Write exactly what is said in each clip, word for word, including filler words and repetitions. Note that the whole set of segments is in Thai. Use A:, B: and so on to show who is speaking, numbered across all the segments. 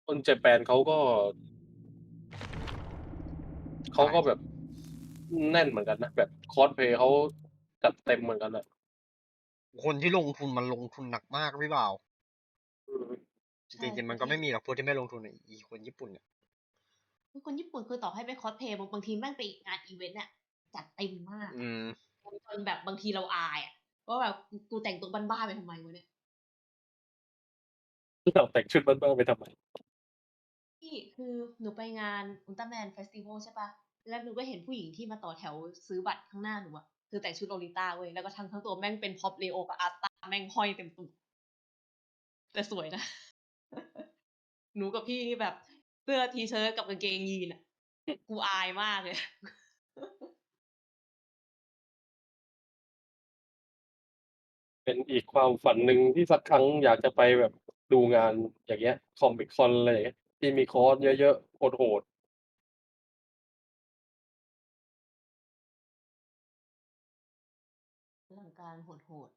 A: คนเจแปนเขาก็เขาก็แบบแน่นเหมือนกันนะแบบคอสเพลย์เขาจัดเต็มเหมือนกันอะ
B: คนที่ลงทุนมันลงทุนหนักมากพี่บ่าว
A: อืม
B: จริงๆมันก็ไม่มีหรอกพวกที่ไม่ลงทุนอะอีคนญี่ปุ่นเนี่ย
C: คือคนญี่ปุ่นคือต่อให้ไปคอสเพลย์บางบางทีแม่งไปงานอีเวนต์เนี่ยจัดเต็มมาก
B: อืม
C: จนแบบบางทีเราอายอ่ะว่าแบบกูกูแต่งตัวบ้านๆไปทำไมวะเนี่ย
A: เราแต่งชุดบ้านๆไปทำไม
C: ที่คือหนูไปงานอุลตร้าแมนเฟสติวัลใช่ปะแล้วหนูก็เห็นผู้หญิงที่มาต่อแถวซื้อบัตรข้างหน้าหนูอะคือแต่งชุดโลลิต้าเว้ยแล้วก็ทั้งทั้งตัวแม่งเป็นพ็อปเลโอกับอาร์ตาแม่งห้อยเต็มตัวแต่สวยนะ หนูกับพี่นี่แบบเสื้อทีเชิ้ตกับกางเกงยีนอะกูอายมากเลย
A: เป็นอีกความฝันหนึ่งที่สักครั้งอยากจะไปแบบดูงานอย่างเงี้ยคอมิคคอนอะไรอย่างเงี้ยที่มีคอร์สเยอะๆโหด
C: เรื่องการโหด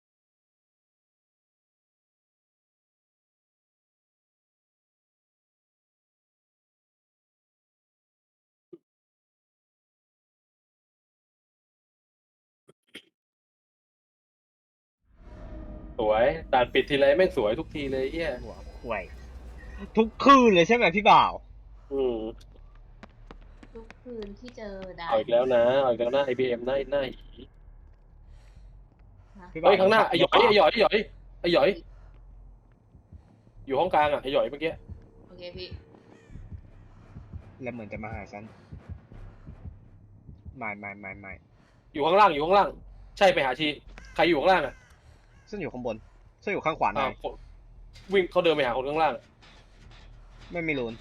A: ๆสวยด่านปิดทีไรแม่งสวยทุกทีเลยเฮีย
B: หัวข่วย ทุกคืนเลยใช่ไหมพี่บ่าว
A: อืม
C: ๆทุกคืนที่เจอด่า
A: เอา
C: น
A: อีกแล้วนะเอาอีกแล้วนะ ไอ บี เอ็ม หน้าหน้าหี
C: นะ
B: พี่บ่า
A: เฮ้
B: วย
A: ข้างหน้า
B: เลี้
A: ไอห
B: ย
A: ยว อย
B: ขวา
A: ไอหยอยไอหยอยไอหยอยอยู่ห้องกลางอ่ะไอหยอยเมื่อกี้
C: โอเคพี่
B: แล้วเหมือนจะมาหาฉันไม่ไม่ไม่ไม่
A: อยู่ข้างล่างอยู่ข้างล่าง ใช่ไปหาชีใครอยู่ข้างล่างอ่ะ
B: ฉันอยู่ข้างบนฉันอยู่ข้างขวา
A: อ่า
B: าย
A: นคนวิ่งเขาเดินไปหาคนข้างล่างอะ
B: ไม่มีรูน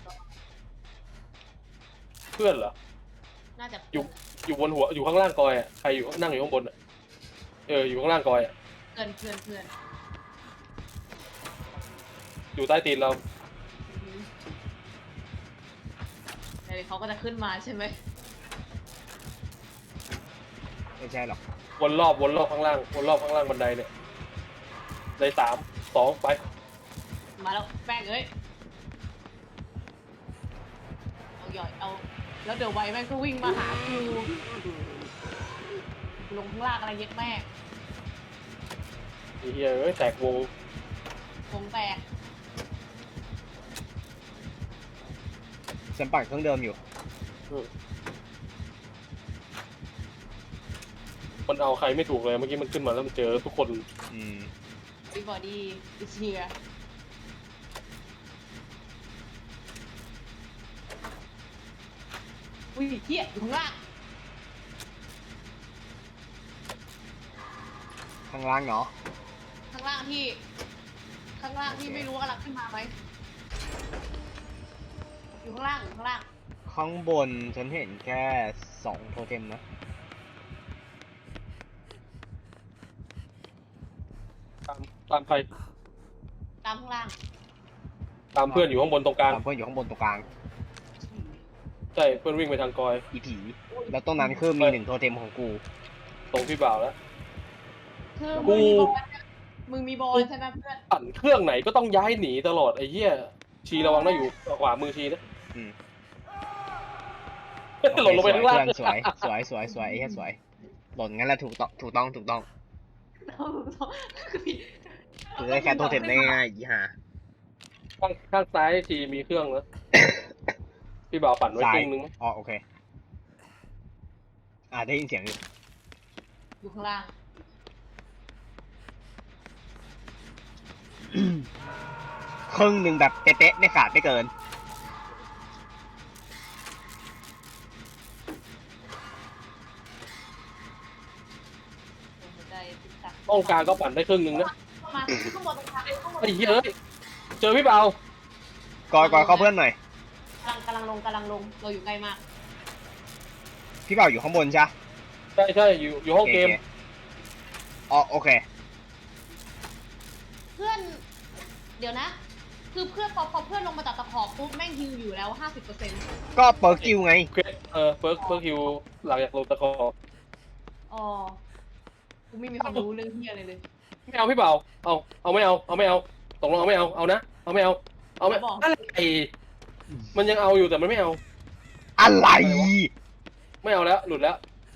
A: เพื่อนเหรอ
C: น่าจะ
A: อยู่อยู่บนหัวอยู่ข้างล่างกอยอ่ะใครอยู่นั่งอยู่ข้างบนอ่ะเอออยู่ข้างล่างกอยอ่ะ
C: เพื่อนเพื่อนเพื่อน
A: อยู่ใต้ตีนเรา
C: เดี๋ยวเขาก็จะขึ้นมาใช่ไหม
B: ไม่ใช่หรอก
A: วนรอบวนรอบข้างล่างวนรอบข้างล่างบันไดเนี่ยในสามสองไป
C: มาแล้วแป้งเอ้ยเอาหย่อยเอาแล้วเดี๋ยวไวแม่งก็วิ่งมาหาคิวลงข้างล่างอะไรเย็ดแม่
A: ไอ้เหี้ยเอ้ยแตกวง
C: วงแตก
B: ฉันปั่นเครื่องเดิมอยู่
A: อืมมันเอาใครไม่ถูกเลยเมื่อกี้มันขึ้นมาแล้วมันเจอทุกคน
B: อืม
C: everybody is here อุ้ยเฮียอยู่ข้างล่าง
B: ข้างล่างเนาะ
C: ข้างล่างที่ ข้างล่างที่ไม่รู้ว่ากำลังขึ้นมาไหมอยู่ข้างล่างอยู่ข้างล่าง
B: ข้างบนฉันเห็นแค่สองโทเทมนะ
A: ตามตามใคร
C: ตามข้างล่าง
A: ตามเพื่อนอยู่ข้างบนตรงกลาง
B: ตามเพื่อนอยู่ข้างบนตรงกลาง
A: ใช่เพื่อนวิ่งไปทางกอย
B: อีผี แล้วตรงนั้นคือมีหนึ่งโทเทมของกู
A: ตรงพี่บ่าวแล้ว
C: คือ
A: กู
C: มึงมีบอลใช่ไหมมึงมีบอลใช่ไหมเพื่อน
A: ปั่นเครื่องไหนก็ต้องย้ายหนีตลอดไอ้เหี้ยชีระวังนะอยู่ขวามือชีนะ
B: อืม
A: หล่นลงไปข้างล่าง
B: เพื่อนสวยสวยสวยสวยไอ้เหี้ยสวย หล่นงั้นแหละถูกต้องถูกต้องถูกต้องถือได้แค่โทเทมได้ง่ายๆอีห่า
A: ข้างข้างซ้ายชีมีเครื่องนะพี่บ่าวปั่นไว้
B: ซ้า
A: ค
B: ย
A: รึ่งนึงไหม
B: อ๋อโอเค อ่าได้ยินเสียงอยู่
C: อยู่ข้างล่าง
B: ครึ่งหนึ่งแบบเป๊ะๆไม่ขาดไม่เกิน
C: หัวใจติ๊กตัก
A: ห้องกลางก็ปั่นได้ครึ่งนึงนะ
C: เข้ามาข้างบนตรงกลางข้างบน
A: ไอ้เหี้ยเอ้ยเจอพี่บ่าว
B: กอยกอยเข้าเพื่อนหน่อย
C: กำลังกำลังลงกำลังลงเราอยู่ใกล้มาก
B: พี่บ่าวอยู่ข้างบนใช่ปะ
A: ใช่ใช่อยู่อยู่ห้องเกม
B: โคอ๋อโอเค
C: เพื่อน เดี๋ยวนะ คือเพื่อนพอพอเพื่อนลงมาจากตะขอบปุ๊บแม่งฮิวอยู่แล้วห้าสิบเปอร์เซ็นต์
B: ก็เปิร์กกิวไง
A: เควสเออเฟิร์กเฟิร์กฮิวหลังจากลงตะคอ
C: อ๋อกูไม่มีความรู้เรื่องเฮียอะไรเลย
A: ไม่เอาพี่บ่าวเอาเอาไม่เอาเอาไม่เอาตกลงเอาไม่เอาเอานะเอาไม่เอาเอาไหม
C: บอก
A: อะไรมันยังเอาอยู่แต่มันไม่เอา
B: อะไร
A: ไม่เอาแล้วหลุดแล้ว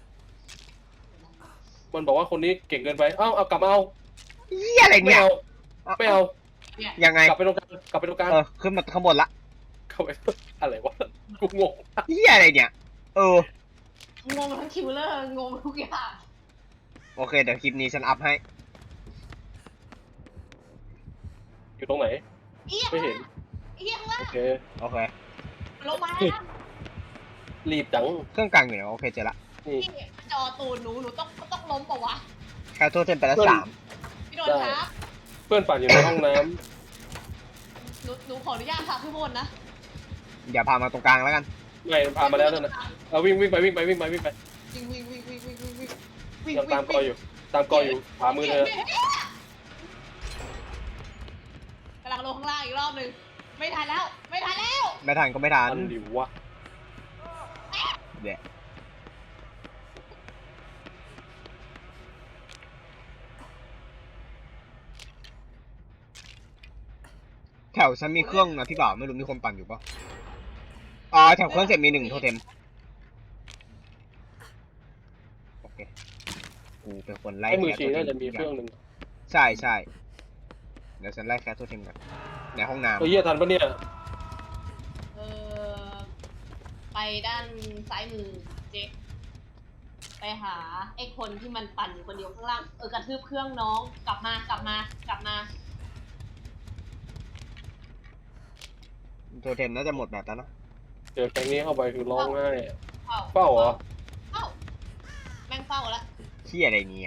A: มันบอกว่าคนนี้เก่งเกินไปเอ้าเอากลับมาเอา
B: เหี้ยอะไร
A: ไม่
B: เนี่ย
A: เอาไม่เอา
C: เนี่ย
B: ยังไง
A: กลับไปตรงกลางกลับไปตรงกลาง
B: เออขึ้นมาข้างบนละ
A: เข้าไปอะไรวะกูงง
B: เหี้ยอะไรเนี่ย เออ
C: งงทั้งคิวเลอร์งงทุกอย่าง
B: โอเคเดี๋ยวคลิปนี้ฉันอัพให้
A: อยู่ตรงไหน
C: เอี้ย
A: ไม่เห็น
C: เอี้ยข้างล่าง
A: โอเค
B: โอเค
C: ลงมาแล้วนะ
A: รีบจัง
B: เครื่องกลางอยู่ไหนโอเคเจอละ
A: นี่
C: พี่จอตูนหนูหนูต้องต้องล้มเปล่าวะ
B: แคทโทเทมไปแล้ว
A: เพื่อน
B: สาม
C: พี่โดนครับ
A: เพื่อนปั่นอยู่ในห้องน้ำ
C: หนูหนูขออนุญาตพาขึ้นบนนะ
B: อย่าพามาตรงกลางแล้วกัน
A: ไม่พามาแล้วนั่นนะเอาวิ่งวิ่งไปวิ่งไปวิ่งไปวิ่งไป
C: วิ่งวิ่งวิ่งวิ่งวิ่งวิ่งวิ่งวิ่ง
A: ยังตามกออยู่ ตามกออยู่ขวามือเธอก
C: ำลังลงข้างล่างอีกรอบหนึ่งไม่ทันแล้ว ไม่ทันแล้ว
B: ไม่ทันก็ไม่ทัน
A: อันดิวะ
B: เดี๋ยวแถวฉันมีเครื่องนะพี่บ่าวไม่รู้มีคนปั่นอยู่ปะอ๋อแถวเครื่องเสร็จมีหนึ่งโทเทมโอเคกูเป็นคนไล่
A: ไอ้มือ
B: แคท
A: ชี
B: โทเท
A: น่าม จะมีเครื่องหนึ่ง
B: ใช่ใช่เดี๋ยวฉันไล่แคทโทเทมก่อนในห้องน้
A: เฮ้ยเหี้ยทันปะเนี่ย
C: เออไปด้านซ้ายมือเจ๊ไปหาไอ้คนที่มันปั่นอยู่คนเดียวข้างล่างเออกระทืบเครื่องน้องกลับมากลับมากลับมา
B: ำโทเทมน่าจะหมดแบบแล้วนะ
A: เจอแก๊งนี้เข้าไปคือร้องไห้
C: เฝ้า
A: เฝ้าเหรอ
C: เฝ้าแม่งเฝ้าแล้ว
B: เที่ยอะไรเนี่ย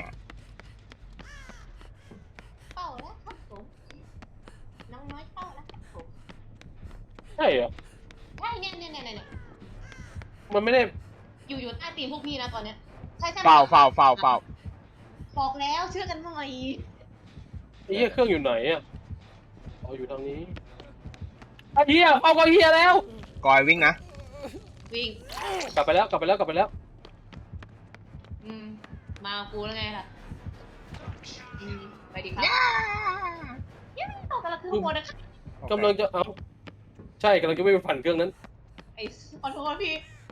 C: เฝ้าแล้วครับผมน้องน้อยเฝ้าแล้วครับผม
A: ใช่เหรอ
C: ใช่เนี่ยเนี่ยเนี่ยเนี่ย
A: มันไม่ได้
C: อยู่อยู่ใต้ตีนพวกพี่นะตอนเนี้ยใช่ใช่
B: เฝ้าเฝ้าเฝ้าเฝ้า
C: บอกแล้วเชื่อกันหน่อย
A: ไอ้เหี้ยเครื่องอยู่ไหนอ่ะอ๋ออยู่ทางนี้ไอ้เหี้ยเอาก็เหี้ยแล้ว
B: กอยวิ่งนะ
C: วิ่ง
A: กลับไปแล้วกลับไปแล้วกลับไปแล้ว
C: อืมมากูแล้วไงล่ะอืมไปดิครับยังไม่ต่อกันละคือข้างบนนะครับ
A: กำลังจะเอาใช่กำลังจะไม่ไปฝันเครื่องนั้น
C: ไอ้ขอโทษพี่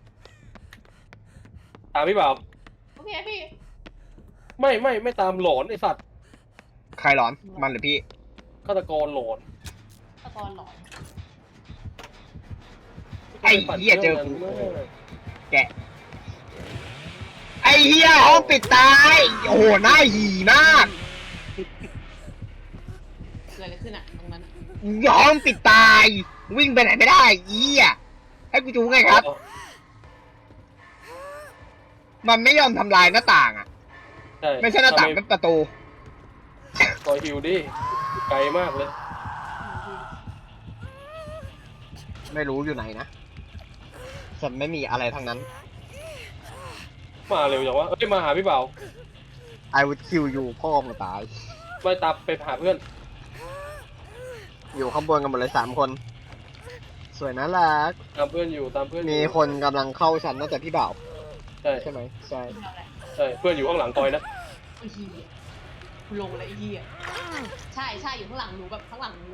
A: ตามพี่บ่าว
C: โอเคพี่
A: ไม่ไม่ไม่ตามหลอนไอสัตว์
B: ใครหลอนมันหรือพี่
A: ฆาตกรหลอน
C: ตะกอนหลอน
B: ไอ้เหี้ยเจอกู แกะ ไอ้เหี้ยห้องปิดตาย โอ้โหหน้าหีมาก
C: เกิดอะไรขึ้นอะตรงนั้นอะ
B: ห้องปิดตาย วิ่งไปไหนไม่ได้เหี้ยให้กูจูไงครับ มันไม่ยอมทำลายหน้าต่างอ่ะ
A: ใช่
B: ไม่ใช่หน้าต่างเป็นประตู
A: ซอยฮิวดิไกลมากเลย
B: ไม่รู้อยู่ไหนนะฉันไม่มีอะไรทั้งนั้น
A: มาเร็วจังวะเอ้ยมาหาพี่บ่าว
B: I would kill you พ่อมึงตาย
A: ไปตามไปหาเพื่อน
B: อยู่ข้างบนกันหมดเลยสามคน สวยน่ารัก
A: ตามเพื่อนอยู่ตามเพื่อนอยู่
B: มีคนกำลังเข้าฉันน่าจะพี่บ่าว
A: ใช่
B: ใช่ไหมใช่
C: เอาแหละ
A: ใช่เพื่อนอยู่ข้างหลังกอยนะ
C: ไอ้เหี้ยกูลงเลยไอ้เหี้ยใช่ใช่อยู่ข้างหลังหนูแบบข้างหลังหนูเลย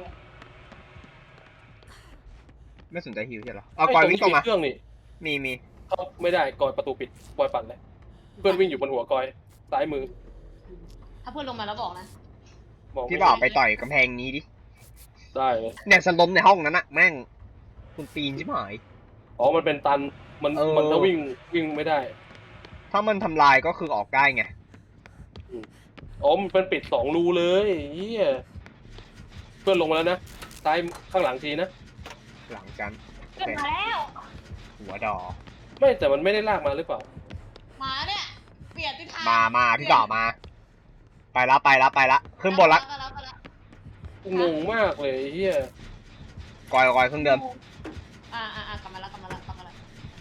B: ไม่สนใจฮิวใช่เหรอเอากอยวิ่งตรงมา
A: เครื่องนี่
B: มีมี
A: เขาไม่ได้กอยประตูปิดกอยปั่นเลยเพื่อนวิ่งอยู่บนหัวกอยซ้ายมือ
C: ถ้าเพื่อนลงมาแล้วบอกนะ
A: มองม่
B: พี่บ่าวไปต่อยกำแพงนี้ดิ
A: ได้เลย
B: เนี่ยฉันล้มในห้องนั้นอะแม่ง คุณปีนใช่ไหม
A: อ๋อมันเป็นตันมัน
B: เออ
A: มันถ้าวิ่งวิ่งไม่ได้
B: ถ้ามันทำลายก็คือออกได้ไง
A: อ๋อมันเป็นปิดสองรูเลยเฮียเพื่อนลงมาแล้วนะซ้ายข้างหลังทีนะ
B: หลังกันโอ
C: เพื่อน
B: เค
C: มาแล้ว
B: หัวดอ
A: ไม่แต่มันไม่ได้ลากมาหรือเปล่า
C: มาเนี่ยเปลี่ยนทิศทาง
B: มามาพี่บ่าวมา ไปละไปละไปละขึ้นบนละ
C: ไปแล้วไปแล้ว
A: งงมากเลยเฮีย
B: กอยกอยเครื่องเดิม
C: อ่าอ่าอ่ากลับมาแล้วกลับมาแล้วกลับมาแล้ว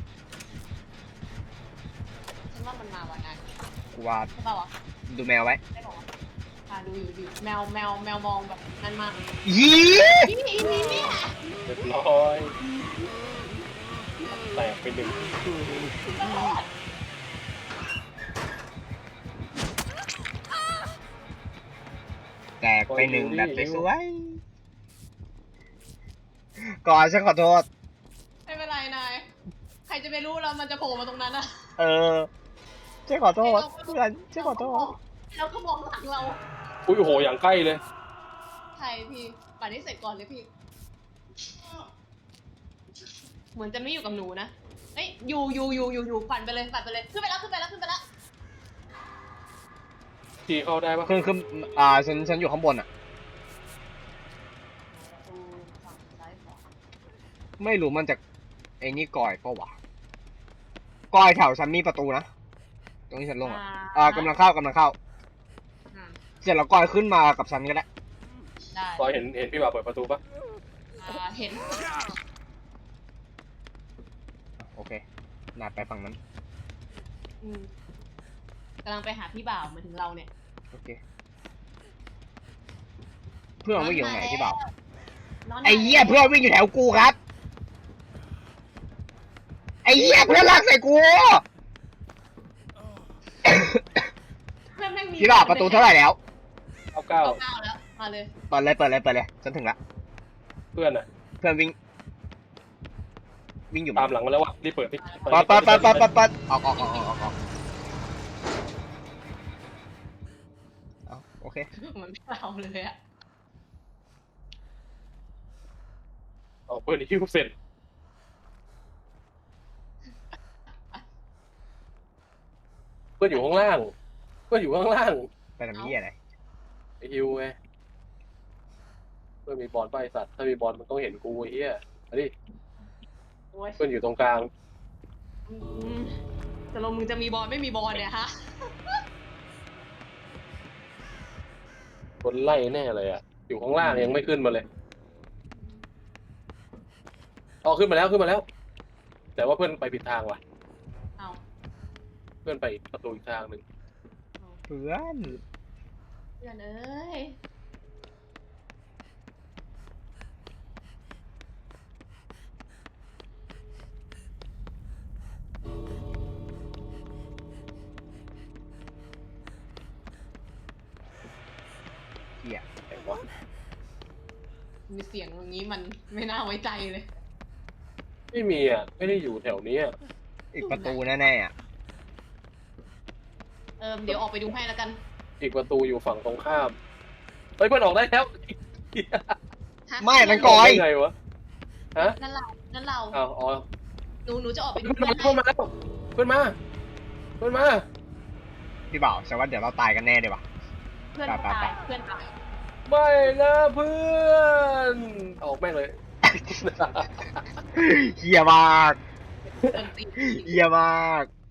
C: ฉันว่ามันมาวันนั้น
B: กูว่า
C: ใช่ป่าวะ
B: ดูแมวไว้
C: ได้บอกว่าอ่าดูอยู่ดูอยู่แมวแมวแมวมองแบบนั่นมาก
B: ยี
C: นี่นี่นี่เนี่ย
A: เรียบร้อยแตกไปหนึ่ง
B: แตกไปหนึ่งแบบสวยก่อนฉันขอโทษ
C: ไม่เป็นไรนายใครจะไปรู้เรามันจะโผล่มาตรงนั้นอะ
B: เออฉันขอโทษเพื่อนฉันขอโทษ
C: แล้วก็มองหลังเรา
A: อุ้ยโอ้โหอย่างใกล้เลย
C: ใช่พี่ปั่นให้เสร็จก่อนเลยพี่ เหมือนจะไม่อยู่กับหนูนะเอ้ยอยู่อยู่อยู่อยู่อยู่ปั่นไปเลยปั่นไปเลยขึ้นไปแล้วขึ้นไปแล้วขึ้นไปแล้ว
A: ทีเข้าได้ปะ
B: คือคืออ่าฉันฉันอยู่ข้างบนอ่ะ
C: ประตูฝั่งซ้ายขวา
B: ไม่รู้มันจะไอ้นี่ก่อยปะวะก่อยแถวฉันมีประตูนะตรงที่ฉันลงอ่ะอ่ากำลังเข้ากำลังเข้า
C: อ่า
B: เสร็จแล้วก่อยขึ้นมากับฉันก็ได้
C: ได้
A: ตอนเห็นเห็นพี่บ่าวเปิดประตูปะ
C: อ่าเห็น
B: โอเคนาดไปฝั่งนั้น
C: อืมกำลังไปหาพี่บ่าวมาถึงเราเนี่ย
B: โอเคเพื่อนวิ่งอยู่ตรงไหนที่บ่าว
C: นน
B: ไอ้เหี้ยเพื่อนวิ่งอยู่แถวกูครับไอ้เหี้ยเพื่อนลากใส่กู
C: เพื่อนแม่งมี
B: พี่บ่าวประตูเท่าไหร่แล้ว
A: เก้าเก้า
C: เก้าเก้าแล้วมาเลย
B: เปิดเลยเปิดเลยเปิดเลยฉันถึงละ
A: เพื่อนอ่ะ
B: เพื่อนวิ่ง วิ่งอยู่
A: ตามหลังมาแล้ววะรีบเปิดพี่
B: ปัดปัดปัดปัดปัดปัดออกออกออกออกออกออกเอาโอเค
C: มันไม่เอาเลยอะ
A: เอาเปิดฮิ้วเสร็จเพื่อนอยู่ข้างล่างเพื่อนอยู่ข้างล่าง
B: ไปทำนี้อะไร
A: ไอฮิวไงเพื่อนมีบอลไปสัตว์ถ้ามีบอลมันต้องเห็นกูไอ้เหี้ยมาดิ
C: โอ้ย
A: เพื่อนอยู่ตรงกลาง
C: อืมแต่ลงมึงจะมีบอลไม่มีบอลเนี่ยฮะ
A: คนไล่แน่เลยอ่ะอยู่ข้างล่างยังไม่ขึ้นมาเลยอ๋อขึ้นมาแล้วขึ้นมาแล้ว แต่ว่าเพื่อนไปผิดทางว่ะ
C: เอา
A: เพื่อนไปอีกประตูอีกทางหนึ่ง
C: เอา
B: เพื่อน
C: เพื่อนเอ้ย
B: เหี้ย
A: ไหนวะ
C: มีเสียงอย่างนี้มันไม่น่าไว้ใจเลย
A: ไม่มีอ่ะไม่ได้อยู่แถวนี้อ่ะ
B: อีกประตูแน่ๆอ่ะ
C: เออเดี๋ยวออกไปดูให้แล้วกัน
A: อีกประตูอยู่ฝั่งตรงข้ามเฮ้ยเพื่อนออกได้แล้ว
C: ฮะ
B: ไม่นั่นก่อย
A: ได้ไงวะฮะ
C: นั่นเรานั่นเรา
A: อ้าวอ๋อ
C: หนูหนูจะออกไปดู
A: เพื่อน
C: เพื่อน
A: มา
C: ให้
A: เพื่อนมาแล้วเพื่อนมาเพื่อนมา
B: พี่บ่าวฉันว่าเดี๋ยวเราตายกันแน่เลยว่ะ
C: เพื่อน
B: ไปไป
C: ตา
B: ไป
C: ยเพื่อนตาย
A: ไม่นะเพื่อนออกแม่งเลย
B: เหี้ยมาก
C: เพื่อนตี
B: เหี้ยมาก